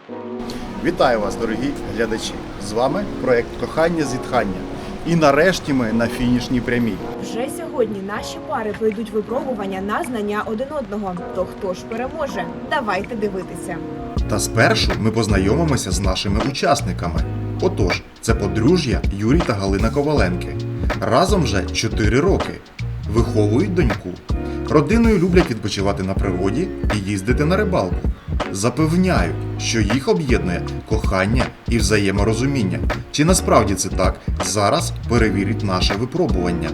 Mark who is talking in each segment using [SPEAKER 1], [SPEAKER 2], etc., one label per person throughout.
[SPEAKER 1] Вітаю вас, дорогі глядачі! З вами проєкт «Кохання-зітхання». І нарешті ми на фінішній прямій.
[SPEAKER 2] Вже сьогодні наші пари пройдуть випробування на знання один одного. То хто ж переможе? Давайте дивитися.
[SPEAKER 1] Та спершу ми познайомимося з нашими учасниками. Отож, це подружжя Юрій та Галина Коваленки. Разом вже 4 роки. Виховують доньку. Родиною люблять відпочивати на природі і їздити на рибалку. Запевняють, що їх об'єднує кохання і взаєморозуміння. Чи насправді це так? Зараз перевірить наше випробування.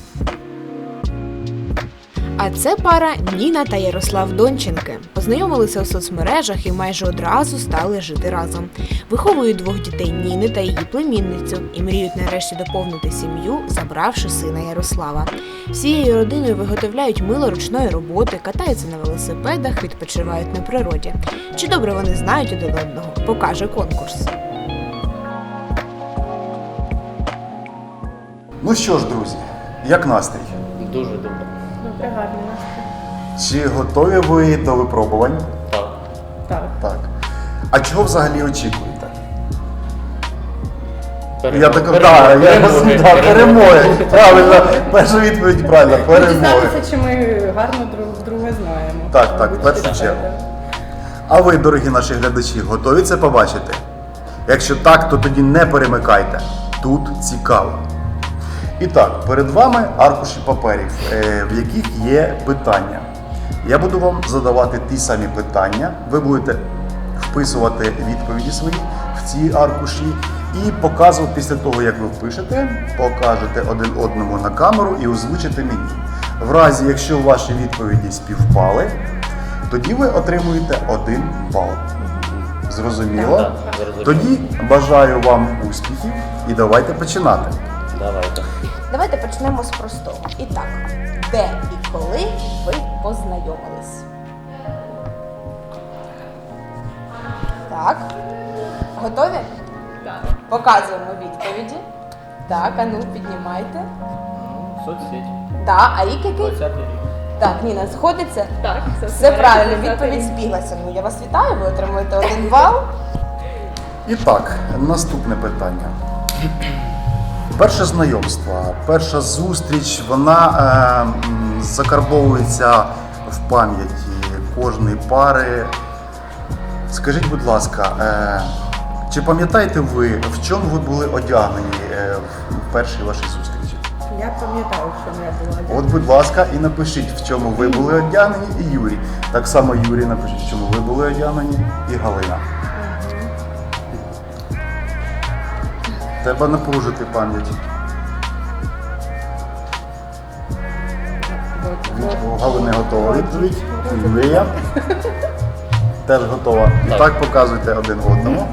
[SPEAKER 2] А це пара Ніна та Ярослав Донченки. Познайомилися у соцмережах і майже одразу стали жити разом. Виховують 2 дітей Ніни та її племінницю і мріють нарешті доповнити сім'ю, забравши сина Ярослава. Всією родиною виготовляють мило ручної роботи, катаються на велосипедах, відпочивають на природі. Чи добре вони знають один одного, покаже конкурс.
[SPEAKER 1] Ну що ж, друзі, як настрій?
[SPEAKER 3] Дуже добре.
[SPEAKER 4] Добре, гарний настрій.
[SPEAKER 1] Чи готові ви до випробувань?
[SPEAKER 3] Так.
[SPEAKER 4] Так.
[SPEAKER 1] Так. А чого взагалі очікуєте? Перемоги. Правильно, перша відповідь правильна, перемоги.
[SPEAKER 4] Дізнатися, чи ми гарно друг друга знаємо.
[SPEAKER 1] Так, в першу чергу. А ви, дорогі наші глядачі, готові це побачити? Якщо так, то тоді не перемикайте. Тут цікаво. І так, перед вами аркуші паперів, в яких є питання. Я буду вам задавати ті самі питання. Ви будете вписувати відповіді свої в ці аркуші і показувати після того, як ви впишете, покажете один одному на камеру і озвучите мені. В разі, якщо ваші відповіді співпали, тоді ви отримуєте 1 бал. Зрозуміло?
[SPEAKER 3] Так, зрозуміло.
[SPEAKER 1] Тоді бажаю вам успіхів і давайте починати.
[SPEAKER 3] Давайте.
[SPEAKER 2] Давайте почнемо з простого. І так, де і коли ви познайомились? Так. Готові?
[SPEAKER 4] Так.
[SPEAKER 2] Показуємо відповіді. Так, а ну піднімайте.
[SPEAKER 3] Соцсеть.
[SPEAKER 2] Так, а рік який?
[SPEAKER 3] 20-й рік.
[SPEAKER 2] Так, Ніна, сходиться?
[SPEAKER 4] Так,
[SPEAKER 2] Все правильно, відповідь збіглася. Ну, я вас вітаю, ви отримуєте 1 бал.
[SPEAKER 1] І так, наступне питання. Перше знайомство, перша зустріч, вона закарбовується в пам'яті кожної пари. Скажіть, будь ласка, чи пам'ятаєте ви, в чому ви були одягнені в першій вашій зустрічі?
[SPEAKER 4] Я пам'ятаю, що я була одягнена.
[SPEAKER 1] От, будь ласка, і напишіть, в чому ви були одягнені, і Юрій. Так само Юрій напишіть, в чому ви були одягнені, і Галина. Треба напружити пам'ять. У Галини готова відповідь. Юрія теж готова. І
[SPEAKER 3] Так.
[SPEAKER 1] так показуйте один одному.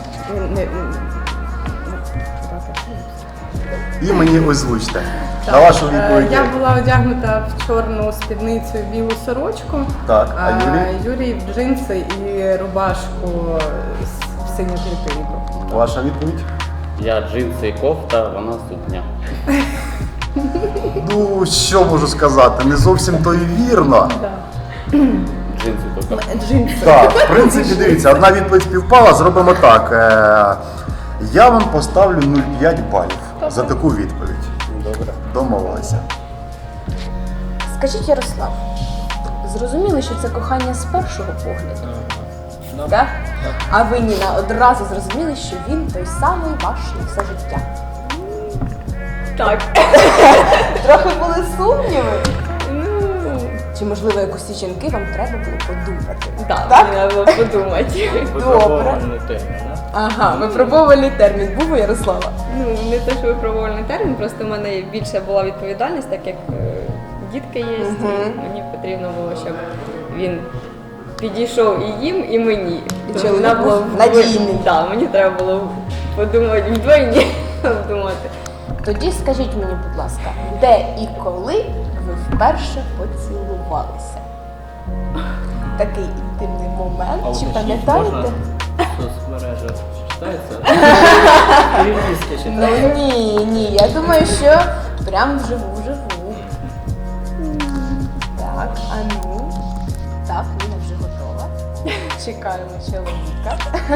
[SPEAKER 1] І мені озвучте. На вашу відповідь.
[SPEAKER 4] Я була одягнута в чорну спідницю і білу сорочку.
[SPEAKER 1] Так, а
[SPEAKER 4] Юрій в джинси і рубашку в синю клітинку.
[SPEAKER 1] Ваша відповідь?
[SPEAKER 3] Я джинси і кофта, вона сукня.
[SPEAKER 1] Ну, що можу сказати, не зовсім то і вірно.
[SPEAKER 3] Джинси тільки.
[SPEAKER 4] Джинси.
[SPEAKER 1] Так, в принципі, дивіться, одна відповідь співпала, зробимо так. Я вам поставлю 0,5 балів за таку відповідь.
[SPEAKER 3] Добре.
[SPEAKER 1] Домовилися.
[SPEAKER 2] Скажіть, Ярослав, зрозуміли, що це кохання з першого погляду? Так? А ви, Ніна, одразу зрозуміли, що він той самий ваш на все життя?
[SPEAKER 4] Так.
[SPEAKER 2] Трохи були сумніви?
[SPEAKER 4] Ну,
[SPEAKER 2] Чи, можливо, якось жінки вам треба було подумати?
[SPEAKER 4] так,
[SPEAKER 2] Так?
[SPEAKER 4] треба було подумати.
[SPEAKER 3] Випробувальний термін, да?
[SPEAKER 2] Ага, випробувальний термін був у Ярослава?
[SPEAKER 5] Ну, не те, що випробувальний термін, просто в мене більше була відповідальність, так як дітки є, і мені потрібно було, щоб він підійшов і їм, і мені.
[SPEAKER 2] І
[SPEAKER 5] Тому
[SPEAKER 2] чоловік
[SPEAKER 5] вона була
[SPEAKER 2] був надійний.
[SPEAKER 5] Так, мені треба було подумати вдвойні думати.
[SPEAKER 2] Тоді скажіть мені, будь ласка, де і коли ви вперше поцілувалися? Такий інтимний момент, чи пам'ятаєте?
[SPEAKER 3] Соцмережа читається? Переписки
[SPEAKER 2] Ну
[SPEAKER 3] читається?
[SPEAKER 2] ні, я думаю, що прям вживу. Так, а ну. Так, Ніна вже готова. Чекаємо чоловіка.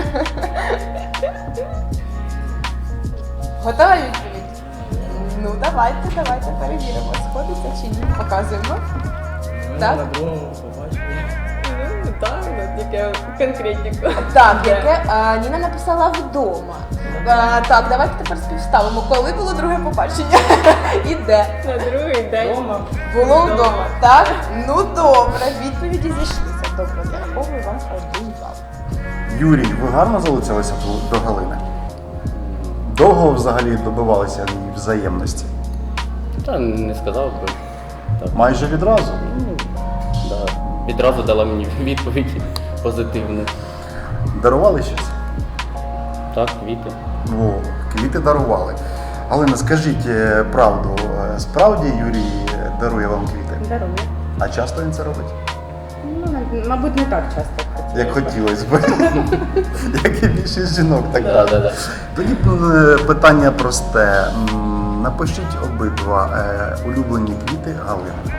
[SPEAKER 2] Готова відповідь? Ну, давайте перевіримо, сходиться чи ні. Показуємо. Так.
[SPEAKER 3] На другому побачили.
[SPEAKER 5] Ну, так, тільки конкретніко.
[SPEAKER 2] Так, яке Ніна написала вдома. Так, давайте тепер співставимо. Коли було друге побачення? І де?
[SPEAKER 5] На другий день.
[SPEAKER 2] Було вдома. Так? Ну добре, відповіді зійшлися. Добре, зараховую вам 1 бал.
[SPEAKER 1] Юрій, ви гарно залицялися до Галини? Довго взагалі добивалися її взаємності?
[SPEAKER 3] Та не сказав би. Так.
[SPEAKER 1] Майже відразу.
[SPEAKER 3] Ну, да. Відразу дала мені відповідь позитивну.
[SPEAKER 1] Дарували щось?
[SPEAKER 3] Так, квіти.
[SPEAKER 1] О, квіти дарували. Галина, скажіть правду, справді Юрій дарує вам квіти?
[SPEAKER 4] Дарує.
[SPEAKER 1] А часто він це робить?
[SPEAKER 4] Ну, мабуть, не так часто.
[SPEAKER 1] Як хотілося б. Як і більшість жінок, так
[SPEAKER 3] Да,
[SPEAKER 1] далі.
[SPEAKER 3] да, да.
[SPEAKER 1] Тоді питання просте. Напишіть обидва улюблені квіти Галини.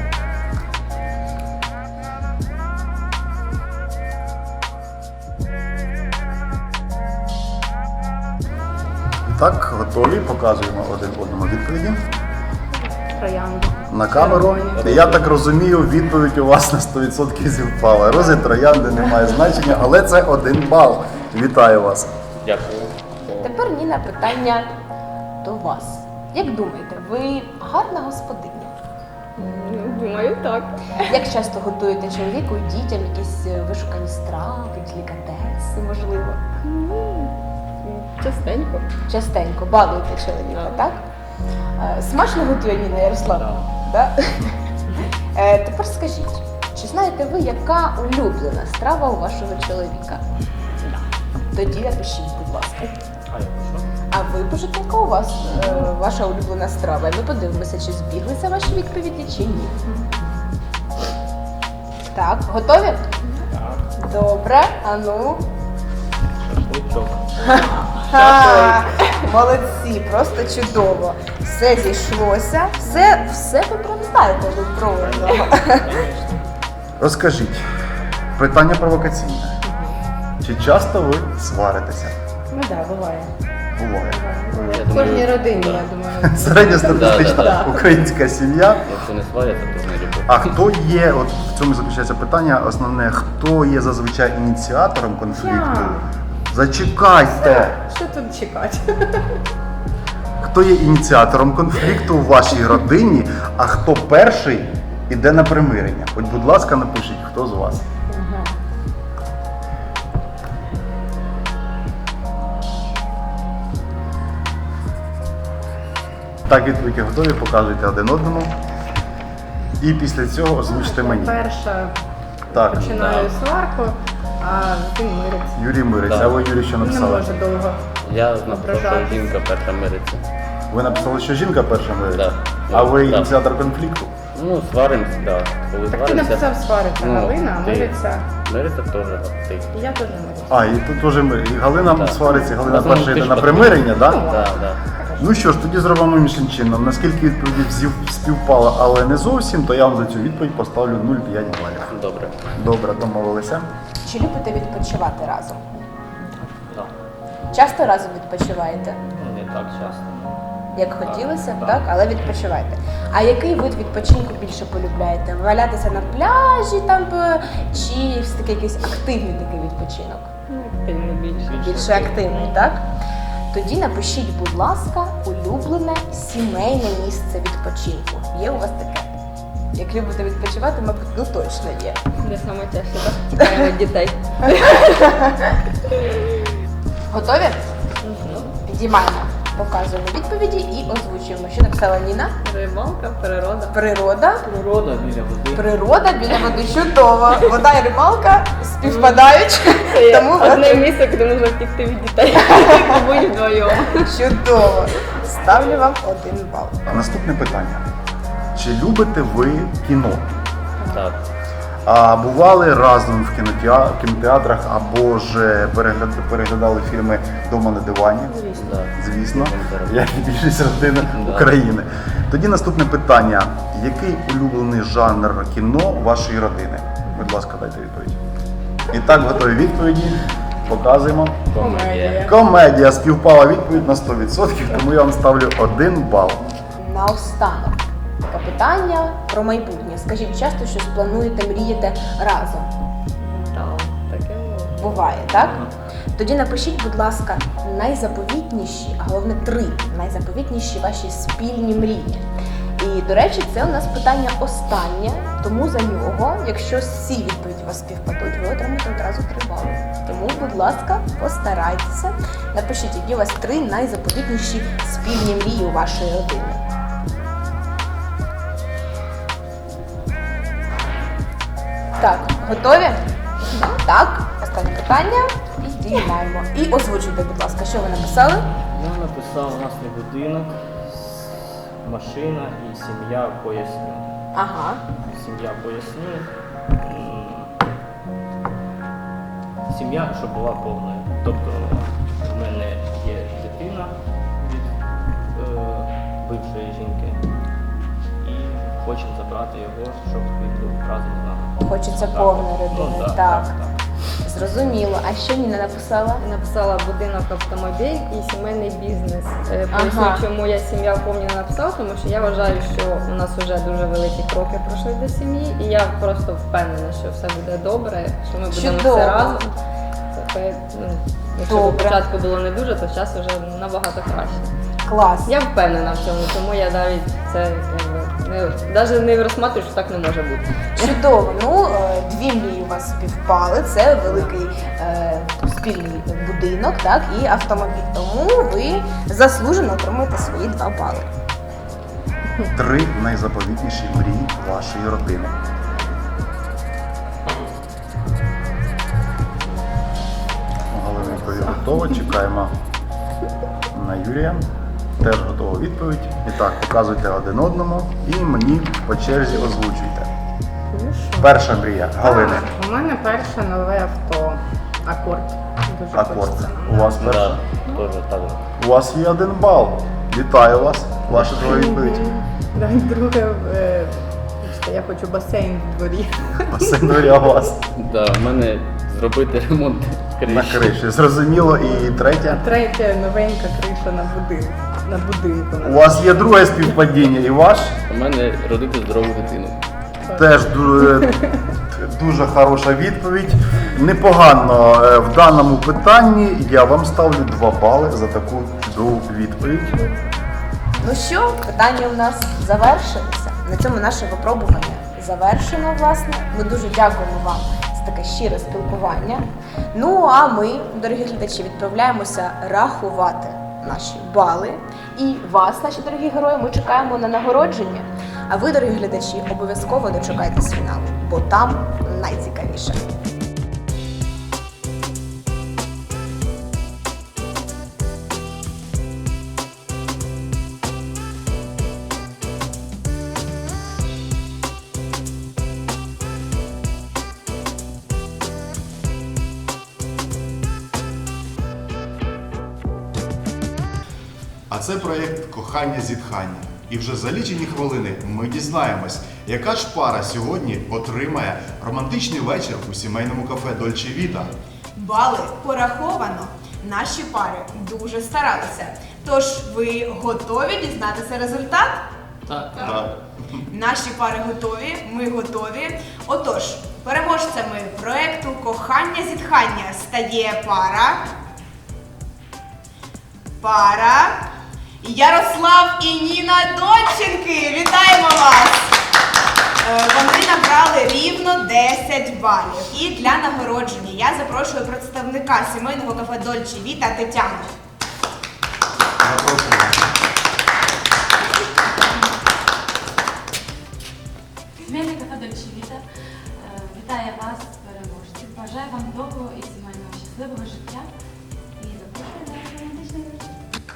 [SPEAKER 1] І так, готові, показуємо один одному відповіді.
[SPEAKER 4] Троянду.
[SPEAKER 1] На камеру. Я так розумію, відповідь у вас на 100% зівпала. Рози троянди не має значення, але це 1 бал. Вітаю вас.
[SPEAKER 3] Дякую.
[SPEAKER 2] Тепер, Ніна, питання до вас. Як думаєте, ви гарна господиня?
[SPEAKER 5] Ну, думаю, так.
[SPEAKER 2] Як часто готуєте чоловіку і дітям якісь вишукані страви, делікатеси, можливо?
[SPEAKER 5] Частенько.
[SPEAKER 2] Частенько балуєте чоловіка, так? Смачно готує Ніна Ярославна? Да. Тепер скажіть, чи знаєте ви, яка улюблена страва у вашого чоловіка? Тоді напишіть, будь ласка.
[SPEAKER 3] А я що?
[SPEAKER 2] А ви пишете, яка у вас ваша улюблена страва? І ми подивимося, чи збіглися ваші відповіді, чи ні. Так, готові?
[SPEAKER 3] Так,
[SPEAKER 2] Добре, а ну.
[SPEAKER 3] шашличок.
[SPEAKER 2] Ха, молодці, просто чудово. Все зійшлося, все ви прям знаєте один про одного.
[SPEAKER 1] Розкажіть, питання провокаційне. Чи часто ви сваритеся?
[SPEAKER 4] Ну так, буває.
[SPEAKER 1] Буває.
[SPEAKER 3] Я
[SPEAKER 4] В кожній
[SPEAKER 3] думаю,
[SPEAKER 4] родині,
[SPEAKER 3] да.
[SPEAKER 4] я думаю.
[SPEAKER 1] Середньостатистична
[SPEAKER 3] Да.
[SPEAKER 1] українська сім'я.
[SPEAKER 3] Якщо не сваряться, то не люблю.
[SPEAKER 1] А хто є, от в цьому заключається питання, основне, хто є зазвичай ініціатором конфлікту? Зачекайте!
[SPEAKER 4] Що тут чекати?
[SPEAKER 1] Хто є ініціатором конфлікту у вашій родині, а хто перший іде на примирення? От, будь ласка, напишіть, хто з вас. Так, відповіді готові, показуйте один одному. І після цього озвучте мені.
[SPEAKER 4] Перша
[SPEAKER 1] Так,
[SPEAKER 4] починаю сварку, а він мириться.
[SPEAKER 1] Юрій мириться,
[SPEAKER 3] Да.
[SPEAKER 1] а ви, Юрій, що
[SPEAKER 4] Не
[SPEAKER 1] написали?
[SPEAKER 4] може довго.
[SPEAKER 3] Я написав, що
[SPEAKER 4] Ображатись.
[SPEAKER 3] жінка перша мириться.
[SPEAKER 1] Ви написали, що жінка перша мириться?
[SPEAKER 3] Да.
[SPEAKER 1] А ви
[SPEAKER 3] Да.
[SPEAKER 1] ініціатор конфлікту?
[SPEAKER 3] Ну, сваримось, так. Да. Коли
[SPEAKER 4] Так ти
[SPEAKER 3] сваримося,
[SPEAKER 4] написав свариться,
[SPEAKER 3] ну,
[SPEAKER 4] Галина, а
[SPEAKER 3] ти.
[SPEAKER 4] мириться.
[SPEAKER 3] Мириться теж, так, ти.
[SPEAKER 4] І я теж мирюся.
[SPEAKER 1] А, і тут теж і Галина
[SPEAKER 3] Так.
[SPEAKER 1] свариться, і Галина
[SPEAKER 3] Ну,
[SPEAKER 1] перша
[SPEAKER 3] ти
[SPEAKER 1] йде
[SPEAKER 3] ж
[SPEAKER 1] на
[SPEAKER 3] подумай.
[SPEAKER 1] примирення, так?
[SPEAKER 4] Ну,
[SPEAKER 3] Так, так.
[SPEAKER 1] Ну що ж, тоді зробимо іншим чином. Наскільки відповіді співпало, але не зовсім, то я вам за цю відповідь поставлю 0,5 балів.
[SPEAKER 3] Добре.
[SPEAKER 1] Добре, домовилися.
[SPEAKER 2] Чи любите відпочивати разом?
[SPEAKER 3] Так.
[SPEAKER 2] Часто разом відпочиваєте?
[SPEAKER 3] Не так часто.
[SPEAKER 2] Як хотілося б,
[SPEAKER 3] Так.
[SPEAKER 2] так? Але відпочиваєте. А який вид відпочинку більше полюбляєте? Валятися на пляжі там чи все-таки якийсь активний такий відпочинок?
[SPEAKER 5] Ну, активно більше.
[SPEAKER 2] Більше активний, так? Тоді напишіть, будь ласка, улюблене сімейне місце відпочинку. Є у вас таке? Як любите відпочивати, мабуть, ну точно є.
[SPEAKER 5] Де саме тяжче, так? Чекаємо дітей.
[SPEAKER 2] Готові? Підіймаємо, показуємо відповіді і озвучуємо. Що написала Ніна?
[SPEAKER 5] Рибалка, природа.
[SPEAKER 2] Природа.
[SPEAKER 3] Природа біля води.
[SPEAKER 2] Природа біля води чудово. Вода і рибалка співпадають, тому
[SPEAKER 5] Одне місце, куди можна втікти від дітей. Побудь вдвоєм.
[SPEAKER 2] чудово. Ставлю вам 1 бал.
[SPEAKER 1] Наступне питання. Чи любите ви кіно?
[SPEAKER 3] Так.
[SPEAKER 1] А бували разом в кінотеатрах або ж переглядали фільми «Дома на дивані»?
[SPEAKER 3] Да.
[SPEAKER 1] Звісно,
[SPEAKER 3] Так.
[SPEAKER 1] як і більшість родин
[SPEAKER 3] Да.
[SPEAKER 1] України. Тоді наступне питання. Який улюблений жанр кіно вашої родини? Будь ласка, дайте відповідь. І так, готові відповіді. Показуємо.
[SPEAKER 4] Комедія.
[SPEAKER 1] Комедія. Співпала відповідь на 100%, тому я вам ставлю 1 бал.
[SPEAKER 2] Наостанок. Таке питання про майбутнє. Скажіть, часто щось плануєте, мрієте разом?
[SPEAKER 5] Так, таке було.
[SPEAKER 2] Буває, так? Тоді напишіть, будь ласка, найзаповітніші, а головне 3 найзаповітніші ваші спільні мрії. І, до речі, це у нас питання останнє, тому за нього, якщо всі відповіді у вас співпадуть, ви отримаєте одразу 3 бали. Тому, будь ласка, постарайтеся. Напишіть, які у вас 3 найзаповітніші спільні мрії у вашої родини. Так, готові? Так, останнє питання. Підіймаємо. І озвучуйте, будь ласка, що ви написали?
[SPEAKER 3] Я написав у нас не будинок, машина і сім'я поясню.
[SPEAKER 2] Ага.
[SPEAKER 3] Сім'я поясню. Сім'я, щоб була повною. Тобто в мене є дитина від бившої жінки. І хочемо забрати його, щоб він був разом з нами.
[SPEAKER 2] Хочеться
[SPEAKER 3] Так.
[SPEAKER 2] повної родини.
[SPEAKER 3] Ну,
[SPEAKER 2] так. Зрозуміло. А що Ніна написала?
[SPEAKER 5] Я написала будинок, автомобіль і сімейний бізнес. Поясню,
[SPEAKER 2] Ага.
[SPEAKER 5] чому я сім'я повні не написала, тому що я вважаю, що у нас вже дуже великі кроки пройшли до сім'ї, і я просто впевнена, що все буде добре, що ми будемо
[SPEAKER 2] Чудово.
[SPEAKER 5] все разом. Ну, якщо
[SPEAKER 2] Добре.
[SPEAKER 5] спочатку було не дуже, то зараз вже набагато краще.
[SPEAKER 2] Клас.
[SPEAKER 5] Я впевнена в цьому, тому я навіть це навіть не розсматрюю, що так не може бути.
[SPEAKER 2] Чудово. Ну, 2 мрії у вас співпали. Це великий спільний будинок, так, і автомобіль. Тому ви заслужено отримуєте свої 2 бали.
[SPEAKER 1] 3 найзаповітніші мрії вашої родини. Галина відповідь готова. Чекаємо на Юрія. Теж готова відповідь. І так, показуйте один одному і мені по черзі озвучуйте. Перша мрія Галини.
[SPEAKER 4] У мене перше нове авто. Акорд. Дуже
[SPEAKER 1] Акорд.
[SPEAKER 4] хочеться.
[SPEAKER 1] У вас перша?
[SPEAKER 3] Да, теж так.
[SPEAKER 1] У вас є 1 бал. Вітаю вас. Ваша друга відповідь.
[SPEAKER 4] Да, друге, бачите, я хочу басейн в дворі.
[SPEAKER 1] Басейн у вас
[SPEAKER 3] Да, в мене зробити ремонт криші.
[SPEAKER 1] на криші. Зрозуміло. І третя.
[SPEAKER 4] Третє, новенька криша на будинку. На будинку.
[SPEAKER 1] У вас є друге співпадіння і ваш.
[SPEAKER 3] У мене родити здорову дитину.
[SPEAKER 1] Теж дуже хороша відповідь. Непогано в даному питанні. Я вам ставлю 2 бали за таку чудову відповідь.
[SPEAKER 2] Ну що, питання у нас завершилися. На цьому наше випробування завершено, власне. Ми дуже дякуємо вам за таке щире спілкування. Ну а ми, дорогі глядачі, відправляємося рахувати наші бали. І вас, наші дорогі герої, ми чекаємо на нагородження. А ви, дорогі глядачі, обов'язково дочекайтесь фіналу, бо там найцікавіше.
[SPEAKER 1] А це проєкт «Кохання зітхання». І вже за лічені хвилини ми дізнаємось, яка ж пара сьогодні отримає романтичний вечір у сімейному кафе «Дольче Віта».
[SPEAKER 6] Бали пораховано. Наші пари дуже старалися. Тож ви готові дізнатися результат?
[SPEAKER 3] Так.
[SPEAKER 6] Наші пари готові, ми готові. Отож, переможцями проекту «Кохання зітхання» стає пара Ярослав і Ніна Донченки. Вітаємо вас! Вони набрали рівно 10 балів. І для нагородження я запрошую представника сімейного кафе «Дольче Віта» Тетяну.
[SPEAKER 7] Сімейне кафе «Дольче Віта» вітає вас, переможці. Бажаю вам довгого і сімейного щасливого життя. І запрошую на романтичний вечір.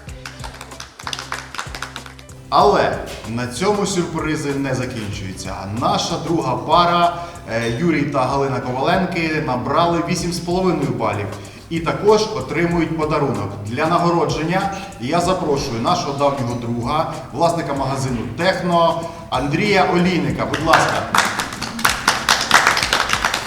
[SPEAKER 1] Але на цьому сюрпризи не закінчуються. Наша друга пара Юрій та Галина Коваленки набрали 8,5 балів. І також отримують подарунок. Для нагородження я запрошую нашого давнього друга, власника магазину «Техно» Андрія Олійника. Будь ласка.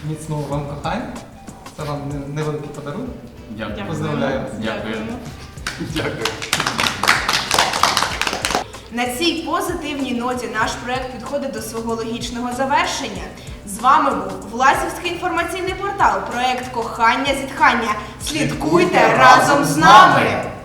[SPEAKER 8] міцного вам кохання. Це вам невеликий подарунок.
[SPEAKER 3] Дякую.
[SPEAKER 8] Поздравляю.
[SPEAKER 3] Дякую. Дякую.
[SPEAKER 6] На цій позитивній ноті наш проект підходить до свого логічного завершення. З вами був Власівський інформаційний портал, проект Кохання зітхання. Слідкуйте разом з нами!